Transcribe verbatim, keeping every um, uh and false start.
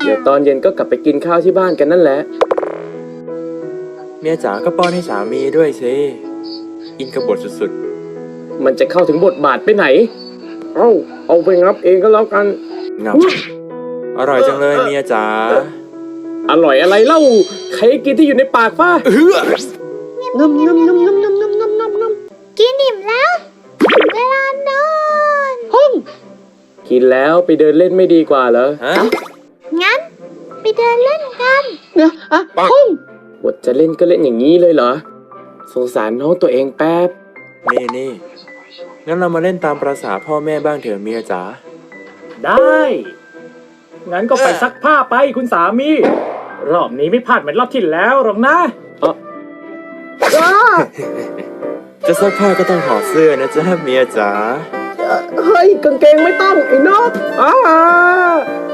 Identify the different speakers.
Speaker 1: ดี๋ยวตอนเย็นก็กลับไปกินข้าวที่บ้านกันนั่นแหละ
Speaker 2: เมียจ๋าก็ป้อนให้สามีด้วยสิอินกับบทสุด
Speaker 1: มันจะเข้าถึงบทบาทไปไหน เอ้าเอาไปงับเองก็แล้วกัน
Speaker 2: ๆงับอร่อยจังเลยเมียจ๋า
Speaker 1: อร่อยอะไรเล่าใครกินที่อยู่ในปากฟ้า
Speaker 2: เฮ้อ
Speaker 1: งำงำงำงำงำงำงำงำงำ
Speaker 3: กินอิ่มแล้วถึงเวลานอน
Speaker 1: ห้องกินแล้วไปเดินเล่นไม่ดีกว่าเหรอ
Speaker 2: ฮะ
Speaker 3: งั้นไปเดินเล่นกัน
Speaker 1: นะอะห้องบทจะเล่นก็เล่นอย่างนี้เลยเหรอสงสารน้องตัวเองแป๊บ
Speaker 2: นี่นี่งั้นเรามาเล่นตามประสาพ่อแม่บ้างเถอะเมียจ๋า
Speaker 4: ได้ งั้นก็ไปซักผ้าไปคุณสามี รอบนี้ไม่พลาดเหมือนรอบที่แล้วหรอกนะ
Speaker 2: จะซักผ้าก็ต้องถอดเสื้อนะจ๊ะเมียจ๋า
Speaker 1: เฮ้ยกางเกงไม่ต้องไอ้นกอ้า